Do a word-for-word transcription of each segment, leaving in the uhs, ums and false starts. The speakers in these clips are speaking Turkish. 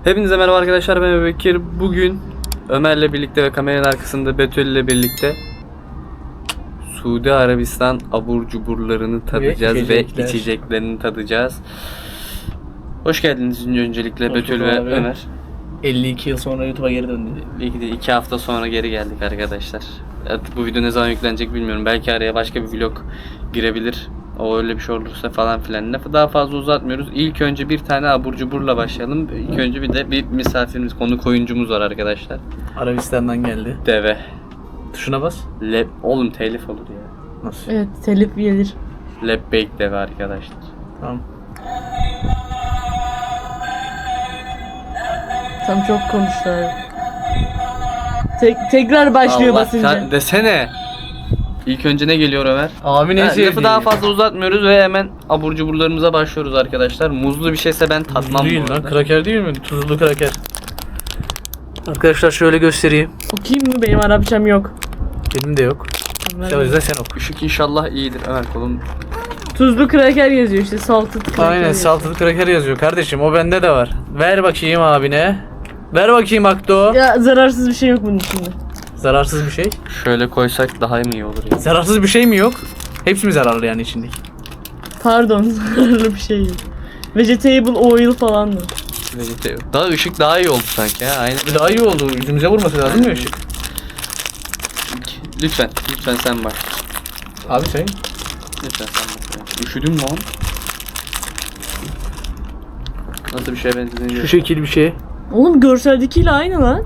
Hepinize merhaba arkadaşlar, ben Bekir. Bugün Ömer'le birlikte ve kameranın arkasında Betül ile birlikte Suudi Arabistan abur cuburlarını tadacağız ve içecekler. ve içeceklerini tadacağız. Hoş geldiniz öncelikle Hoş Betül ve abi. Ömer. elli iki yıl sonra YouTube'a geri döndü. İlk de iki hafta sonra geri geldik arkadaşlar. Artık bu video ne zaman yüklenecek bilmiyorum. Belki araya başka bir vlog girebilir. O öyle bir şey olursa falan filan. Lafı daha fazla uzatmıyoruz. İlk önce bir tane abur cuburla başlayalım. İlk önce bir de bir misafirimiz, konuk oyuncumuz var arkadaşlar. Arabistan'dan geldi. Deve. Tuşuna bas. Leb, oğlum telif olur ya. Nasıl? Evet, telif gelir. Lebbeyk deve arkadaşlar. Tamam. Tam çok konuştular. Tek, tekrar başlıyor Allah basınca. sen desene. İlk önce ne geliyor Ömer? Abi ne Ha, sevdiğin? lafı daha fazla uzatmıyoruz ve hemen abur cuburlarımıza başlıyoruz arkadaşlar. Muzlu bir şeyse ben tatmam değil bu lan, arada. kraker değil mi? Tuzlu kraker. Arkadaşlar şöyle göstereyim. Okuyayım mı? Benim Arapçam yok. Benim de yok. Ömer O yüzden sen oku. Işık inşallah iyidir Ömer, kolum. Tuzlu kraker yazıyor işte, salted kraker. Aynen, yazıyor. salted kraker yazıyor kardeşim, o bende de var. Ver bakayım abine. Ver bakayım Akdo. Ya zararsız bir şey yok bunun içinde. Zararsız bir şey. Şöyle koysak daha mı iyi olur ya? Zararsız bir şey mi yok? Hepsi mi zararlı yani içindeki? Pardon, zararlı bir şey yok. Vegetable oil falan mı? Vegetable. Daha ışık daha iyi oldu sanki ha. Aynen. Daha iyi oldu. Yüzümüze vurması lazım mı ışık? Lütfen, lütfen sen bak. Abi sen. Lütfen sen bak. Üşüdüm lan. Nasıl bir şeye benzediğini Şu şekil bir şey. Oğlum görseldekiyle aynı lan.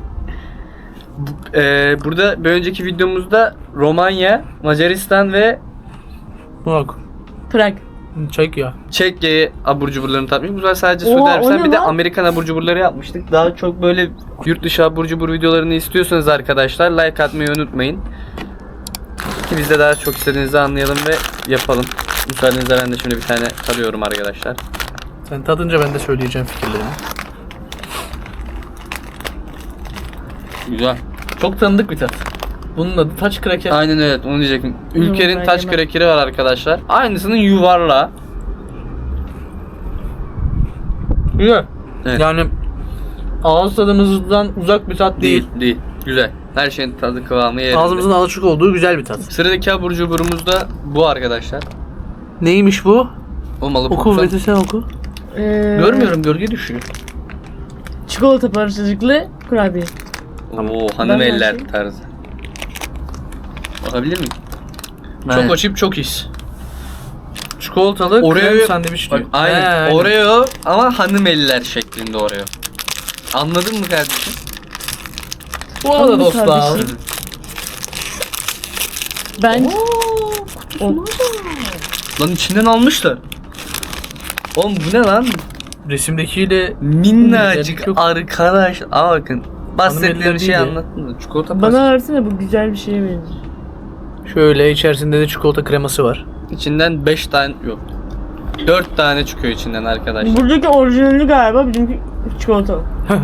Ee, burada bir önceki videomuzda Romanya, Macaristan ve Bak. Prag. Çek ya. Çekya abur cuburlarını tatmıştık. Bu sefer sadece Oha, Suudi o Arabistan, ne bir de lan? Amerikan abur cuburları yapmıştık. Daha çok böyle yurt dışı abur cubur videolarını istiyorsanız arkadaşlar like atmayı unutmayın. Ki biz de daha çok istediğinizi anlayalım ve yapalım. Müsaadenizle ben de şimdi bir tane tadıyorum arkadaşlar. Sen tadınca ben de söyleyeceğim fikirlerimi. Güzel. Çok tanıdık bir tat. Bunun adı taç kraker. Aynen, evet, onu diyecektim. Yok, Ülker'in ben taş yemem. krekeri var arkadaşlar. Aynısının yuvarlağı. Güzel. Evet. Yani ağız tadımızdan uzak bir tat değil. Değil, değil. Güzel. Her şeyin tadı kıvamı yerinde. Ağzımızın alışık olduğu güzel bir tat. Sıradaki abur cuburumuz da bu arkadaşlar. Neymiş bu? Olmalı. Oku Poksan. Betül, sen oku. Ee, Görmüyorum, gölge düşüyor. Çikolata parçacıklı kurabiye. Oo, hanım Ben eller bakayım. tarzı. Bakabilir miyim? Çok açıp çok his. Çikolatalı Oreo- krem sandviç Bak, diyor. aynen. He, aynen. Oreo ama hanım eller şeklinde Oreo. Anladın mı kardeşim? Bu arada Anladım dostlar. kardeşim. Ben... O, Lan içinden almışlar. Oğlum bu ne lan? Resimdekiyle Minnacık Çok- arkadaş. Aa bakın. Bahsettiğim eller şey değil de. anlattın mı? Çikolata bana pastası. versene, bu güzel bir şeye benziyor. şöyle içerisinde de çikolata kreması var. İçinden beş tane yok. dört tane çıkıyor içinden arkadaşlar. Buradaki orijinali galiba, bizimki çikolatalı.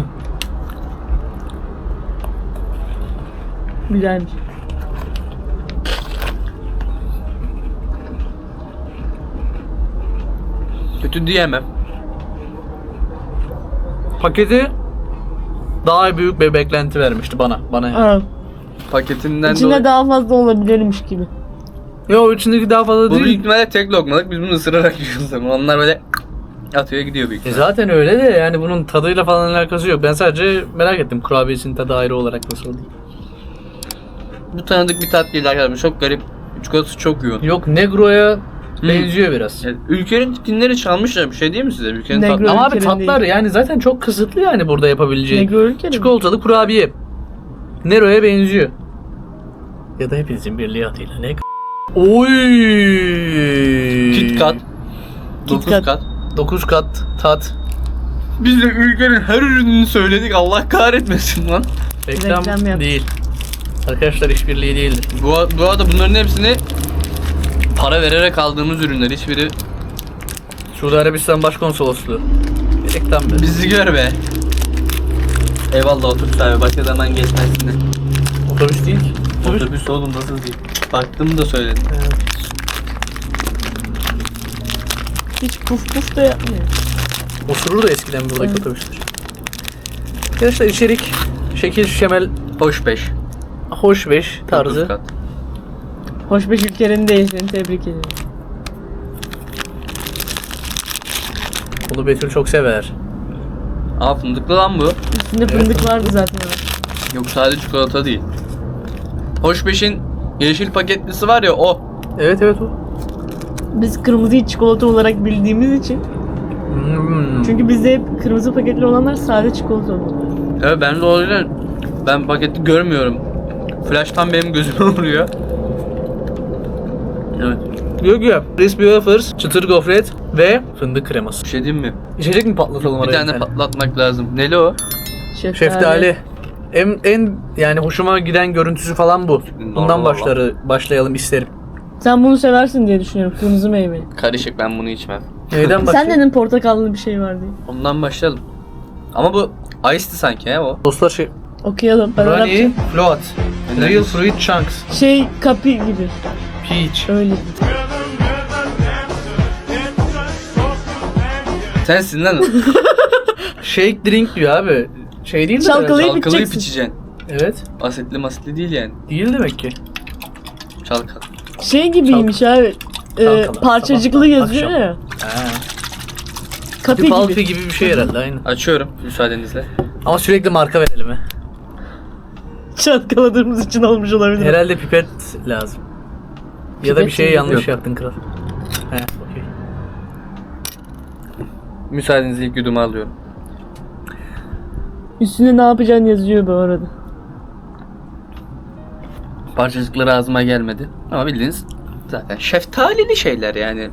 Güzelmiş. Kötü diyemem. Paketi daha büyük bir beklenti vermişti bana. Bana yani. Aa, Paketinden içinde dolayı. daha fazla olabilirmiş gibi. Yo, içindeki daha fazla Bu büyük değil. ihtimalle tek lokmalık, biz bunu ısırarak yiyoruz ama onlar böyle atıyor gidiyor büyük E ihtimalle. zaten öyle de yani bunun tadıyla falan alakası yok. Ben sadece merak ettim kurabiyesinin tadı ayrı olarak nasıl oluyor. Bu tanıdık bir tat değil arkadaşlar, çok garip. Çikolatası çok yoğun. Yok, Negro'ya Hmm. benziyor biraz. Yani ülkenin tipinleri çalmışlar, bir şey değil mi size? Ülkenin Negro. tatlı. Ama abi ülkenin tatlar değil. yani zaten çok kısıtlı yani burada Ne yapabileceği. görürken Çikolatalı kurabiye. Nero'ya benziyor. Ya da hepinizin birliği adıyla ne? Oy! Kit Kat. dokuz Kat. kat. dokuz kat tat. Biz de ülkenin her ürününü söyledik, Allah kahretmesin lan. Reklam, Reklam yap. değil. Arkadaşlar işbirliği değildir. Bu, bu arada bunların hepsini para vererek aldığımız ürünler, hiçbiri Suudi Arabistan Başkonsolosluğu. Reklam be. bizi gör be. Eyvallah, otobüs abi, başka zaman geçmezsin de. Otobüs değil ki. Otobüs. Otobüs oğlum, nasıl değil? Baktım da söyledim. Evet. hiç puf puf da yapmıyor. Osurur da eskiden buradaki Evet. otobüsler. Arkadaşlar içerik şekil şemel Hoş beş. hoş beş tarzı. dokuz kat. Hoş beş ülkenin değilsin. Tebrik ederim. Bunu Betül çok sever. Aa fındıklı lan bu. Üstünde Evet. fındık vardı zaten. Yok sadece çikolata değil. Hoş beşin yeşil paketlisi var ya o. Evet evet o. Biz kırmızıyı çikolata olarak bildiğimiz için. Hmm. Çünkü bizde hep kırmızı paketli olanlar sade çikolata oluyor. Evet ben de o yüzden ben paketi görmüyorum. Flash'tan benim gözüme vuruyor. Evet. Yok ya. Crispy Wafers, çıtır gofret ve fındık kreması. Bir şey diyeyim mi? İçecek mi patlatalım Bir araya tane patlatmak lazım. Neli o? Şeftali. Şeftali. En, en yani hoşuma giden görüntüsü falan bu. Bundan Normal başları başlayalım isterim. Sen bunu seversin diye düşünüyorum. Kırmızı meyve. Karışık ben bunu içmem. Neyden Sen başlayalım? dedin portakallı bir şey var diye. Ondan başlayalım. Ama bu iced'ti sanki he o. Dostlar şey. Okuyalım. Ben Brownie, Arapça. float, Ne? real fruit chunks, Şey kapi gibi. peach. Öyle. Sensin lan. Shake drink diyor abi. Şey değil mi? Çalkalayıp Çalkalayıp içeceksin. içeceksin. Evet. Asitli masitli değil yani. Değil demek ki. Çalkal. Şey gibiymiş abi. Ee, Çalkala, parçacıklı sabahtan yazıyor akşam. ya. Ha. Kapi Palpi gibi. gibi bir şey herhalde aynı. Açıyorum müsaadenizle. Ama sürekli marka verelim he. Çalkaladığımız için olmuş olabilir. Herhalde pipet lazım. Ya da Pipet bir şey mi? yanlış Yok. yaptın kral. He, okey. Müsaadenizle ilk yudumu alıyorum. Üstünde ne yapacağını yazıyor bu arada. Parçacıkları ağzıma gelmedi. Ama bildiğiniz zaten şeftalili şeyler yani.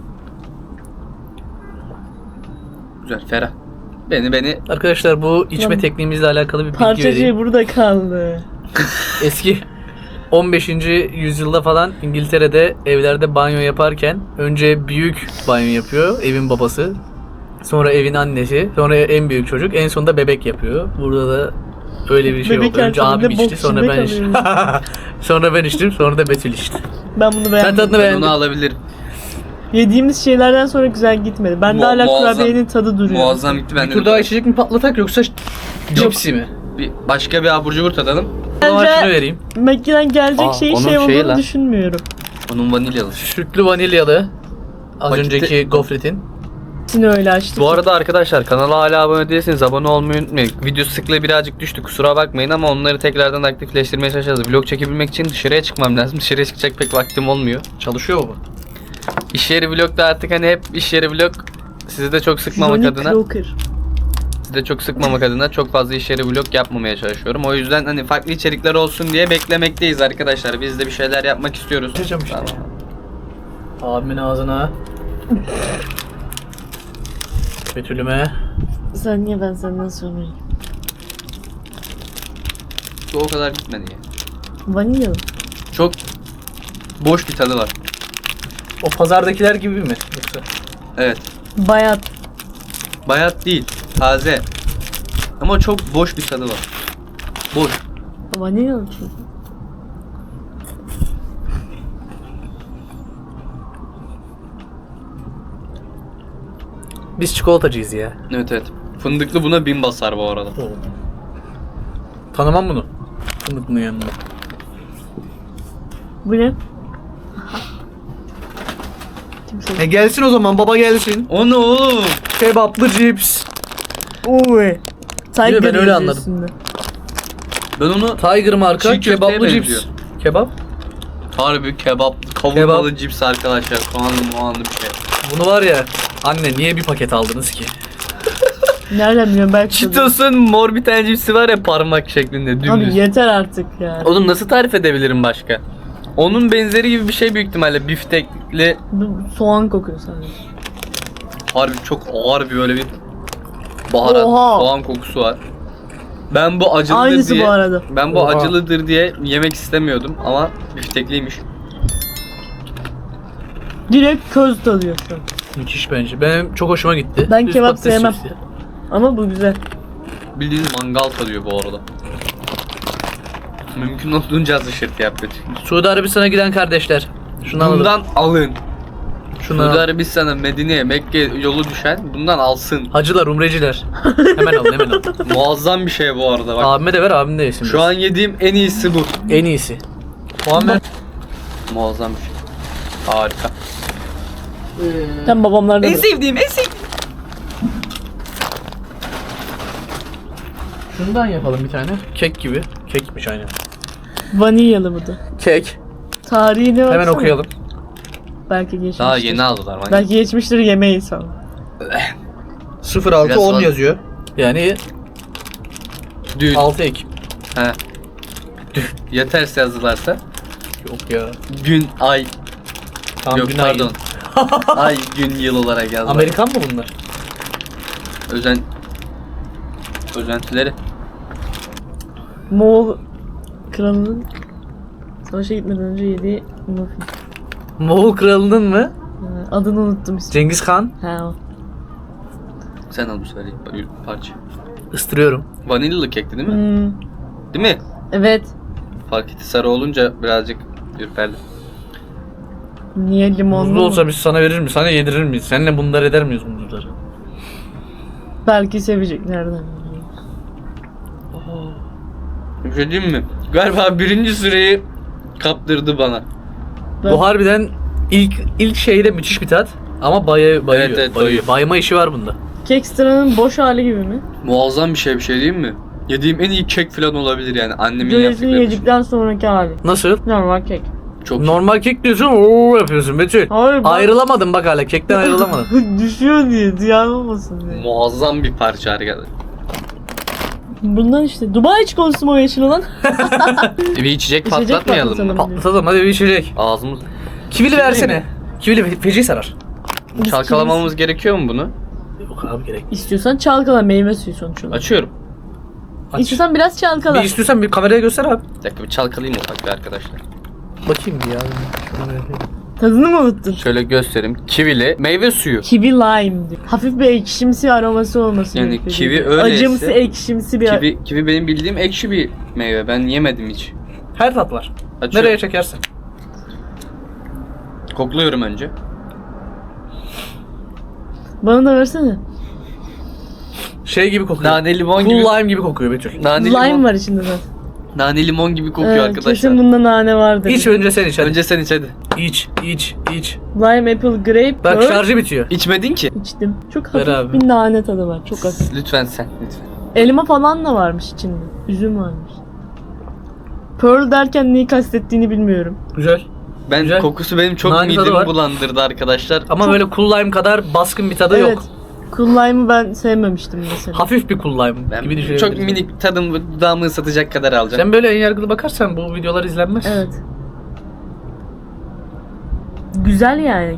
Güzel, ferah. Beni beni Arkadaşlar bu içme Tamam. tekniğimizle alakalı bir bilgi Parçacığı vereyim. burada kaldı. Eski on beşinci yüzyılda falan İngiltere'de evlerde banyo yaparken önce büyük banyo yapıyor evin babası. Sonra evin annesi, sonra en büyük çocuk, en sonunda bebek yapıyor. Burada da öyle bir şey Bebek oldu. Önce her abim şeyinde içti, bok sonra içinde ben içtim. Sonra ben içtim, sonra da Betül içti. Ben bunu Ben beğendim. tadını ben beğendim. onu alabilirim. Yediğimiz şeylerden sonra güzel gitmedi. Bende Mu- hala muazzam. kurabiyenin tadı duruyor. Muazzam gitti ben Bir de. tur daha içecek mi patlatak yoksa cipsi mi? Bir, başka bir abur cubur tadalım. O zaman Bence- şunu vereyim. Makineden gelecek Aa, şey onun şey şeyi olduğunu lan. düşünmüyorum. Onun vanilyalı. Sütlü vanilyalı. Az Paketi- önceki gofretin. Hepsini öyle açtık. Bu arada arkadaşlar kanala hala abone değilseniz abone olmayı unutmayın. Video sıklığı birazcık düştü kusura bakmayın ama onları tekrardan aktifleştirmeye çalışacağız. Vlog çekebilmek için dışarıya çıkmam lazım. Dışarıya çıkacak pek vaktim olmuyor. Çalışıyor mu bu? İş yeri vlogda artık hani hep iş yeri vlog sizi de çok sıkmamak Johnny adına Crocker. sizi de çok sıkmamak adına çok fazla iş yeri vlog yapmamaya çalışıyorum. O yüzden hani farklı içerikler olsun diye beklemekteyiz arkadaşlar. Biz de bir şeyler yapmak istiyoruz. Yapacağım işte. Tamam. Abimin ağzına. Betül'üme. Sen niye ben senden sormayayım? Bu o kadar gitmedi ya. Vanilyalı. Çok boş bir tadı var. O pazardakiler gibi mi? Yoksa? Evet. Bayat. Bayat değil. Taze. Ama çok boş bir tadı var. Boş. Vanilyalı çünkü. Biz çikolatacıyız ya. Evet evet. Fındıklı buna bin basar bu arada. Tanımam bunu. Fındıklının yanında. Bu ne? Kimse. E gelsin o zaman baba gelsin. O ne oğlum? Kebaplı cips. Oy. Tiger ben öyle yazıyor anladım. üstünde. Ben onu Tiger marka Çiğ köfteye kebaplı benziyor. cips. Kebap. harbi kebap, kavurmalı cips arkadaşlar. Soğanlı muğanlı bir şey. Bunu var ya anne niye bir paket aldınız ki? Nereden biliyorum belki. Cheetos'un mor bir tane cipsi var ya parmak şeklinde Abi dümdüz. yeter artık ya. Oğlum nasıl tarif edebilirim başka? Onun benzeri gibi bir şey büyük ihtimalle biftekli. Bu soğan kokuyor sadece. Harbi çok ağır bir böyle bir baharat, Oha. soğan kokusu var. Ben bu acılıdır Aynısı diye bu arada. ben bu Oha. acılıdır diye yemek istemiyordum ama biftekliymiş. Direkt köz tadıyor şu an. Müthiş bence. Benim çok hoşuma gitti. Ben Düz kebap patates sevmem. cipsi. Ama bu güzel. Bildiğiniz mangal tadıyor bu arada. Mümkün olduğunca az ışırtı yap lütfen. Suudi Arabistan'a giden kardeşler. Şunu alalım. Bundan alın. Şundan Suudi al. Arabistan'a, Medine'ye, Mekke yolu düşen bundan alsın. Hacılar, umreciler. Hemen al, hemen al. Muazzam bir şey bu arada bak. Abime de ver, abim de yesin. Şu an yediğim en iyisi bu. en iyisi. Puan ver. Muazzam bir şey. Harika. Sen babamlar da bırak. sevdiğim, en sevdiğim. Şundan yapalım bir tane. Kek gibi. Kekmiş aynen. Vanilyalı bu da. Kek. Tarihine baksana. Hemen okuyalım. Belki geçmiştir. Daha yeni aldılar. Bak. Belki geçmiştir, yemeği sana. sıfır altı Biraz on fazla. yazıyor. Yani Dün. altı Ekim. He. Dün. Ya ters yazdılarsa? Yok ya. Gün, ay. Tam Yok gün pardon. ayı. Ay, gün, yıl olarak yazdılar. Amerikan mı bunlar? Özen... Özentileri. Moğol kralının savaşa gitmeden önce yediği muffin. Moğol kralının mı? Ha, adını unuttum ismini. Cengiz Han. Ha o. Sen al bu sefer bir parça. Istırıyorum. Vanilyalı kekti değil mi? Hmm, Değil mi? evet. Fark etti, sarı olunca birazcık ürperdi. Niye limonlu Muzlu mu? olsa biz sana verir mi? Sana yedirir miyiz? Seninle bunlar eder miyiz muzluları? Belki sevecek, nereden bileyim. Bir şey diyeyim mi? Galiba birinci süreyi kaptırdı bana. Ben- Bu harbiden ilk ilk şeyde müthiş bir tat. Ama baya, bayıyor. Evet, evet, bayıyor. bayıyor. Bayma işi var bunda. Kekstra'nın boş hali gibi mi? Muazzam bir şey, bir şey diyeyim mi? Yediğim en iyi kek falan olabilir yani, annemin Göresini yaptıkları. yedikten sonraki hali. Nasıl? Normal kek. Çok Normal kek diyorsun, ooo yapıyorsun Betül. Hayır, ben- Ayrılamadım bak hala, kekten ayrılamadım. Düşüyor diye, ziyan olmasın diye. muazzam bir parça arkadaşlar. Bundan işte. Dubai çikolatası mı o yeşil olan? Bir içecek İçecek patlatmayalım mı? patlatalım. Patlatalım hadi bir içecek. Ağzımız... Kivili Kivili versene. mi? Kivili fe- feci sarar. Biz Çalkalamamız gerekiyor mu bunu? Yok abi gerek. İstiyorsan çalkala, meyve suyu sonuç olarak. Açıyorum. Aç. İstiyorsan biraz çalkala. Bir istiyorsan bir kameraya göster abi. Bir dakika bir çalkalayayım ufak bir arkadaşlar. Bakayım bir ya. Şunu yapayım. Tadını mı unuttun? Şöyle göstereyim. Kivili meyve suyu. Kiwi lime diyor. Hafif bir ekşimsi aroması olması Yani gerekiyor. kiwi öyleyse- Acımsı, ekşimsi bir... Kivi, kivi benim bildiğim ekşi bir meyve. Ben yemedim hiç. Her tat var. Açıyorum. Nereye çekersin? Kokluyorum önce. Bana da versene. Şey gibi kokuyor. Nane limon Cool gibi. lime gibi kokuyor Betül. Nane Lime limon. var içinde zaten. Nane limon gibi kokuyor Evet, arkadaşlar. kesin bunda nane vardır. İç önce sen iç hadi. Önce sen iç hadi. İç, iç, iç. Lime, apple, grape, Bak pearl. şarjı bitiyor. İçmedin ki. İçtim. Çok Ver hafif abi. bir nane tadı var. Çok hafif. Lütfen sen. Lütfen. Elma falan da varmış içinde. Üzüm varmış. Pearl derken neyi kastettiğini bilmiyorum. Güzel. Ben Güzel. kokusu benim çok Nane tadı midemi var. bulandırdı arkadaşlar. Ama Çok- böyle cool lime kadar baskın bir tadı evet. yok. Cool lime'ı ben sevmemiştim mesela. Hafif bir cool lime Ben gibi çok düşünebiliriz. minik tadım dudağımı ısıtacak kadar alacağım. Sen böyle en yargılı bakarsan bu videolar izlenmez. Evet. Güzel yani.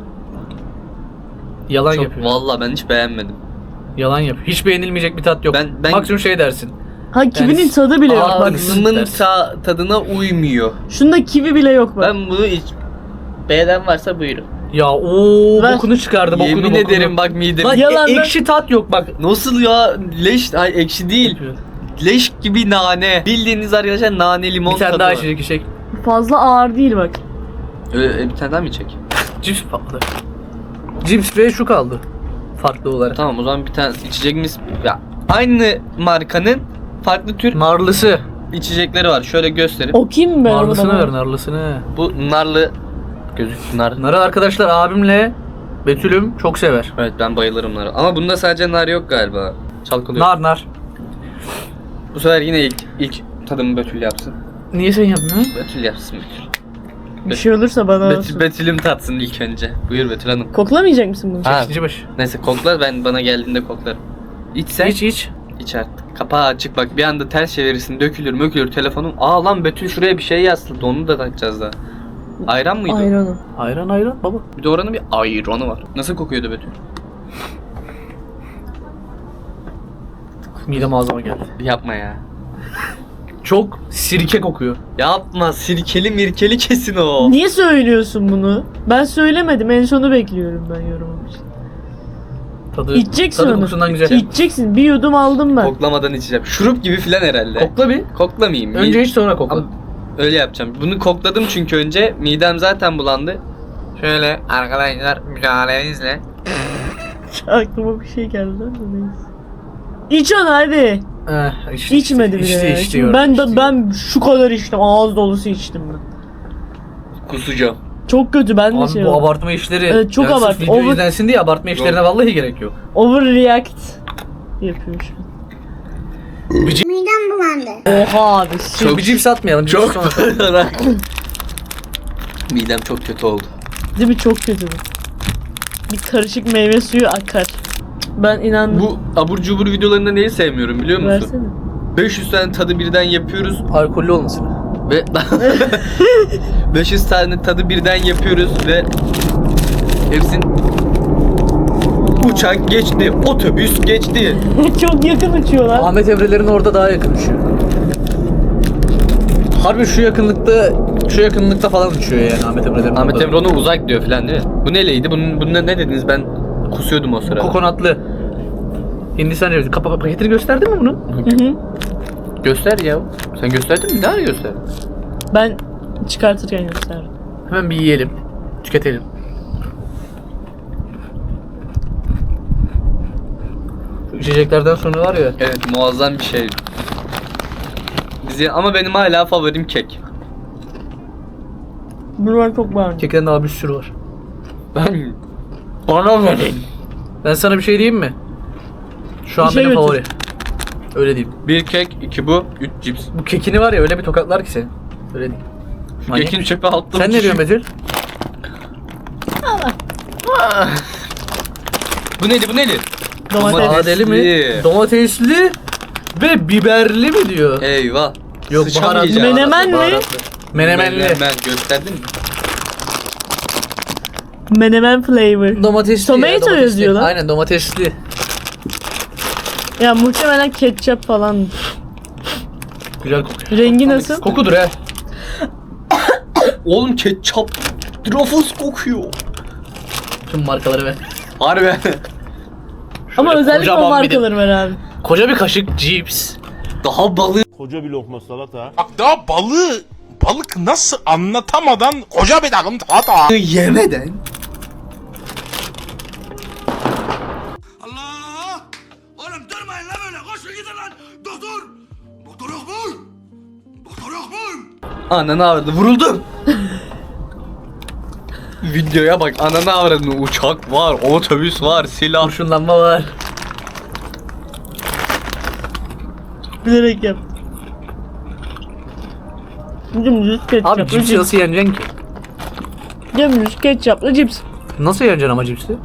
Yalan Çok, yapıyor. vallahi ben hiç beğenmedim. Yalan yapıyor. Hiç beğenilmeyecek bir tat yok. Ben- ben- Maksimum şey dersin. Ha kivinin Yani- tadı bile yok bak. Ağzımın dersin. ta- tadına uymuyor. Şunda kivi bile yok bak. Ben bunu hiç... Beğenen varsa buyurun. Ya ooo Ver. bokunu çıkardı bokunu Yemin bokunu. ederim bak midem. Lan Yalan e- lan. ekşi tat yok bak. Nasıl ya? Leş, ay ekşi değil. Leş gibi nane. Bildiğiniz arkadaşlar nane limon Bir tane tadı daha var. içecek içecek. Fazla ağır değil bak. Öyle, bir tane daha mı çek? Cips patladı. Cips ve şu kaldı. Farklı olarak. Tamam o zaman bir tane içeceğimiz... Ya, aynı markanın farklı tür Narlısı. içecekleri var. Şöyle göstereyim. Okuyayım ben onu Narlısını bana. ver narlısını. Bu narlı... Gözük nar. Narı arkadaşlar abimle Betül'üm çok sever. Evet ben bayılırım nara. Ama bunda sadece nar yok galiba. Çalkalıyor. Nar nar. Bu sefer yine ilk, ilk tadımı Betül yapsın. Niye sen yapmıyorsun? Betül yapsın Betül. Bir şey olursa bana Betül, olsun. Betül'üm tatsın ilk önce. Buyur Betül Hanım. Koklamayacak mısın bunu? Ha. İkinci baş. Neyse kokla, ben bana geldiğinde koklarım. İç sen. İç iç. İç artık. Kapağı açık bak, bir anda ters çevirirsin, dökülür mökülür telefonum. Aa lan Betül şuraya bir şey yazdı, onu da takacağız daha. Ayran mıydı? Ayranı. Ayran ayran baba. Bir de oranın bir ayranı var. Nasıl kokuyordu Betül? Midem ağzıma geldi. Yapma ya. Çok sirke kokuyor. Yapma, sirkeli mirkeli kesin o. Niye söylüyorsun bunu? Ben söylemedim. En sonu bekliyorum ben yorumum için. Tadı, İçeceksin tadı onu. kokusundan güzel. İçeceksin. Bir yudum aldım ben. Koklamadan içeceğim. Şurup gibi filan herhalde. Kokla bir. Koklamayayım. Önce Mi- iç sonra kokla. Ama öyle yapacağım. Bunu kokladım çünkü önce midem zaten bulandı. Şöyle arkadaşlar müsaadenizle. Aklıma bir şey geldi ama neyse. İç onu hadi. Eh, işte, İçmedi bile. işte, ya. işte, Şimdi işte, ben işte. de ben şu kadar içtim. Ağız dolusu içtim ben. Kusacağım. Çok kötü, ben de Abi şey bu oldum. abartma işleri Evet, çok yani sırf abart- video over- izlensin diye abartma işlerine vallahi gerek yok. Overreact yapıyor şu an. Midem bulandı. Oha abi. Çok bir cips atmayalım. Cips Çok sonra. olarak. Midem çok kötü oldu. Değil mi? Çok kötü bu. Bir karışık meyve suyu akar. Ben inandım. Bu abur cubur videolarında neyi sevmiyorum biliyor musun? Versene. beş yüz tane tadı birden yapıyoruz Alkollü olmasın. ve beş yüz tane tadı birden yapıyoruz ve hepsin uçak geçti, otobüs geçti. Çok yakın uçuyorlar. Ahmet Evrelerin orada daha yakın uçuyor. Harbi şu yakınlıkta şu yakınlıkta falan uçuyor yani Ahmet Evrelerin Ahmet orada. Emre ona uzak diyor falan değil mi? Bu neleydi? Bunun, bunun ne dediniz? Ben kusuyordum o sırada. Kokonatlı. Hindistan cevizi. Kapa paketini gösterdin mi bunun? Hı hı. Göster ya. Sen gösterdin mi? Ne ara gösterdin? Ben çıkartırken gösterdim. Hemen bir yiyelim. Tüketelim. Şu içeceklerden sonra var ya. Evet, muazzam bir şey. Bizi ama benim hala favorim kek. Bunu ben çok beğendim. Kekten daha bir sürü var. Ben bana verin. Ben sana bir şey diyeyim mi? Şu an Bir şey benim götür. favori. Öyle diyeyim. Bir kek, iki bu, üç cips. Bu kekini var ya öyle bir tokatlar ki seni. Öyle diyeyim. Şu Manyak. kekin çöpe attım. Sen ne diyorsun Betül? Bu neydi, bu neydi? Domates. Domates. Adeli mi? Domatesli. Domatesli ve biberli mi diyor? Eyvah. Yok, Sıçamayacağım. baharatlı. Menemen mi? Baharatlı. Menemenli. Menemen gösterdin mi? Menemen flavor. Domatesli. Tomato ya, domatesli. yazıyor lan. Aynen domatesli. Ya muhtemelen ketçap falan. Güzel kokuyor. Rengi nasıl? Kokudur he. Oğlum ketçap. Ruffles kokuyor. Tüm markaları ver. Harbi. Ama Şöyle özellikle o kocaman bir de- markaları var abi. Koca bir kaşık cips. Daha balığı Koca bir lokma salata. Bak daha balığı balık nasıl anlatamadan koca bir takım hata. yemeden. Allah! Oğlum durmayın lan böyle. Koşun gidin lan. Doktor! Doktor yok mu? Doktor yok mu? Ananı avradı. Vuruldum. Videoya bak. Ananı avradı. Uçak var, otobüs var, silah. Kurşunlanma var. Bilerek yap. Dümdüz ketçaplı Abi cips cips. nasıl yeneceksin ki? Dümdüz ketçaplı cips. Nasıl yeneceksin ama cipsi?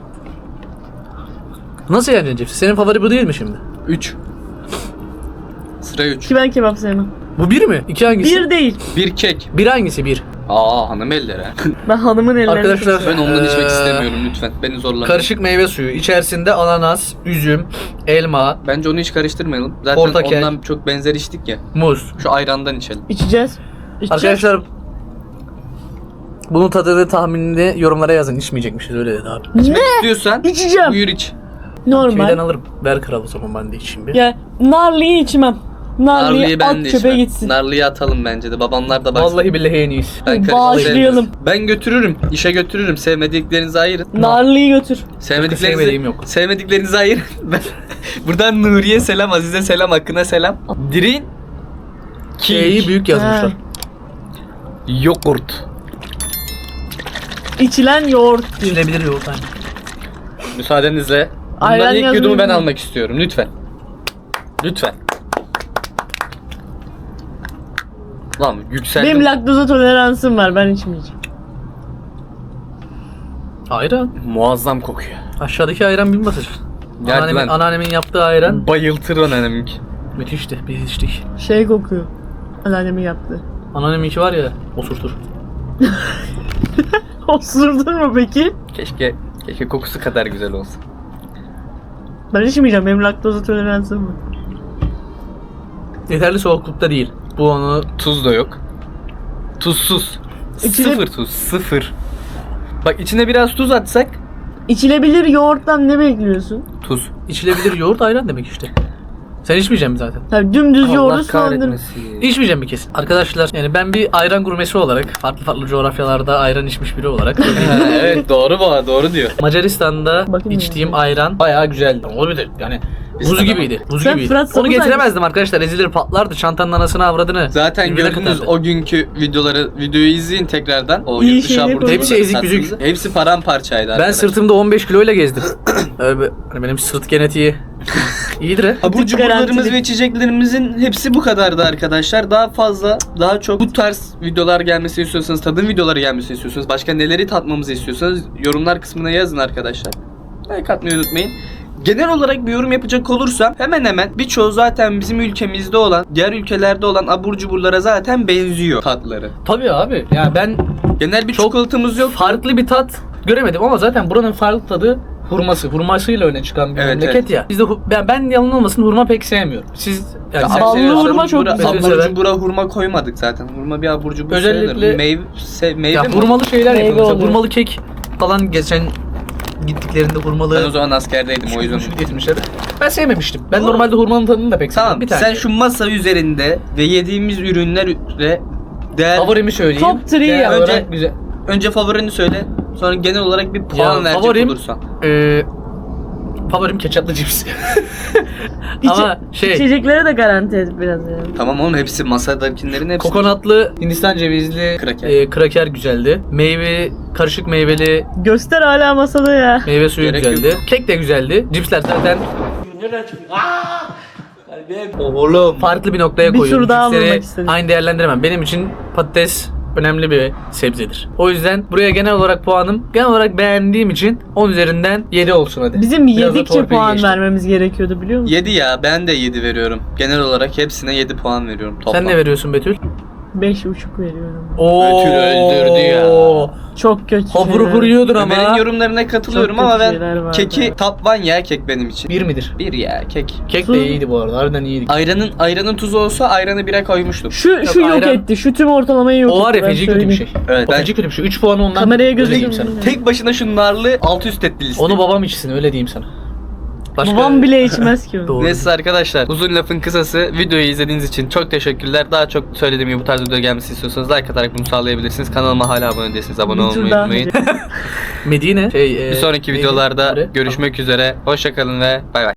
Nasıl yeneceksin cipsi? Senin favori bu değil mi şimdi? üç. Sıra üç. Ki ben kebap sevmem. Bu bir mi? İki hangisi? Bir değil. Bir kek. Bir hangisi bir? Aa hanım elleri. Ben hanımın ellerini Arkadaşlar, çok seviyorum. Ben ondan içmek Ee, istemiyorum lütfen. Beni zorlamayın. Karışık meyve suyu. İçerisinde ananas, üzüm, elma, Bence onu hiç karıştırmayalım. Zaten Portakal. ondan çok benzer içtik ya. muz. Şu ayrandan içelim. İçeceğiz. İçeceğiz. Arkadaşlar bunun tadını tahminini yorumlara yazın. İçmeyecekmişiz öyle dedi abi. Ne? İstiyorsan İçeceğim. buyur iç. Normal. Şeyden alırım. Ver kral o zaman ben de içeyim bir. Ya narlıyı içmem. Narlıyı, Narlıyı ben at de çöpe içmem. gitsin. Narlıyı atalım bence de. Babamlar da baksın. Vallahi billahi en iyisi. Ben karışık Bağışlayalım. sevmiyorum. Ben götürürüm. İşe götürürüm. Sevmediklerinizi ayırın. Narlıyı götür. Sevmediklerinizi, sevmediğim yok. Sevmediklerinizi ayırın. Ben, buradan Nuriye selam, Azize selam, Akın'a selam. Dirin K'yi büyük yazmışlar. Ha. Yoğurt. İçilen yoğurt. İçilebilir yoğurt aynı. Müsaadenizle. Bundan Ayran ilk yazmayı yudumu ben unutma. almak istiyorum. Lütfen. Lütfen. Lan yükseldim. Benim laktoza toleransım var. Ben içmeyeceğim. Ayran. Muazzam kokuyor. Aşağıdaki ayran bin basır. Geldi Anneannemin, ben. anneannemin yaptığı ayran Bayıltır anneminki. müthişti. Biz içtik. Şey kokuyor. Anneannemin yaptığı. Anneanneminki var ya osurtur. Osurdun mu peki? Keşke keşke kokusu kadar güzel olsa. Ben içmeyeceğim. Benim laktoza toleransım var. Yeterli soğuklukta değil. Bu onu Tuz da yok. Tuzsuz. İçine- Sıfır tuz. Sıfır. Bak içine biraz tuz atsak. İçilebilir yoğurttan ne bekliyorsun? Tuz. içilebilir yoğurt ayran demek işte. Sen içmeyeceksin mi zaten? Tabii dümdüz yoğurdu Allah sulandırır. kahretmesin. İçmeyeceğim mi kesin? Arkadaşlar yani ben bir ayran gurmesi olarak farklı farklı coğrafyalarda ayran içmiş biri olarak Ha, evet doğru bu doğru diyor. Macaristan'da Bakayım içtiğim ya. ayran bayağı güzeldi. Olabilir yani buz Biz gibiydi. Buz Sen gibiydi. Fırat Onu Sapı getiremezdim arkadaşlar. Ezilir patlardı. Çantanın anasını avradını. Zaten Birbirine gördünüz katardı. o günkü videoları videoyu izleyin tekrardan. O İyi yurt dışı şeyleri abur koyduk. Hepsi ezik büzük. tatlımızı. Hepsi paramparçaydı Ben arkadaşlar. sırtımda on beş kiloyla gezdim. Öyle bir- hani benim sırt genetiği iyidir ha. Abur cuburlarımız Garantili. ve içeceklerimizin hepsi bu kadardı arkadaşlar. Daha fazla, daha çok bu tarz videolar gelmesini istiyorsanız, tadım videoları gelmesini istiyorsanız, başka neleri tatmamızı istiyorsanız yorumlar kısmına yazın arkadaşlar. Like atmayı unutmayın. Genel olarak bir yorum yapacak olursam hemen hemen birçoğu zaten bizim ülkemizde olan, diğer ülkelerde olan abur cuburlara zaten benziyor tatları. Tabii abi. Yani ben Genel bir Çok çikolatamız yok. farklı bir tat göremedim ama zaten buranın farklı tadı hurması. Hurmasıyla öne çıkan bir Evet, memleket evet. ya. Bizde hu- ben, ben yalan olmasın hurma pek sevmiyorum. Siz yani Ya sen ballı seviyorsan hurma çok Abur güzel. abur sever. cubura hurma koymadık zaten. Hurma bir abur cubur Özellikle- sayılır. Meyve, se, meyve Ya mi? hurmalı şeyler Meyve yapıyorlar. Mesela oluyor. hurmalı kek falan geçen gittiklerinde Ben hurmalı o zaman askerdeydim o yüzden. getirmişler. Ben sevmemiştim. Ben normalde hurmanın tadını da pek sevmem. Tamam Bir tane. sen şu masa üzerinde ve yediğimiz ürünlere değer... favorimi söyleyeyim. Top three Değer ya. olarak Önce- güzel. Önce favorini söyle. Sonra genel olarak bir puan Ya, verecek favorim- olursan. Ee, favorim ketçaplı cips. Ama şey İçeceklere de garanti et biraz ya. Tamam oğlum hepsi masadakilerin hepsi. kokonatlı Hindistan cevizli Kraker. e, kraker güzeldi. Meyve karışık meyveli Göster hala masada ya. meyve suyu Gerek güzeldi. yok. Kek de güzeldi. Cipsler zaten Oğlum. farklı bir noktaya Bir koyuyorum. tur daha Cipsleri vurmak istedim. aynı değerlendiremem. Benim için patates önemli bir sebzedir. O yüzden buraya genel olarak puanım genel olarak beğendiğim için on üzerinden yedi olsun hadi. Bizim Biraz da yedikçe torpil puan geçtim. vermemiz gerekiyordu biliyor musun? yedi ya ben de yedi veriyorum. Genel olarak hepsine yedi puan veriyorum toplam. Sen ne veriyorsun Betül? Beş buçuk veriyorum. Oo. Betül öldürdü ya. Çok kötü Hopur şeyler. hopur yiyordun ama. Benim yorumlarına katılıyorum Çok ama kötü şeyler ben vardı. keki top one ya kek benim için. Bir midir? Bir ya kek. Kek Tuz- de iyiydi bu arada. Harbiden iyiydi. Ayranın ayranın tuzu olsa ayranı bire koymuştum. Şu şu yok ayran- etti. Şu tüm ortalamayı yok O var etti. ya ben feci kötü bir söyleyeyim. şey. Evet, O ben- feci kötü bir şey. üç puanı ondan Kameraya öyle diyeyim gözüküyor. sana. Tek başına şu narlı alt üst etti liste. Onu babam içsin öyle diyeyim sana. Başka... Babam bile içmez ki onu. Doğru. Neyse arkadaşlar uzun lafın kısası videoyu izlediğiniz için çok teşekkürler. Daha çok söylediğim gibi bu tarz video gelmesi istiyorsanız like atarak bunu sağlayabilirsiniz. Kanalıma hala abone değilseniz abone Bir tur olmayı daha unutmayın. Medine. Şey, e, Bir sonraki neydi? videolarda Nuri? görüşmek üzere. Hoşçakalın ve bay bay.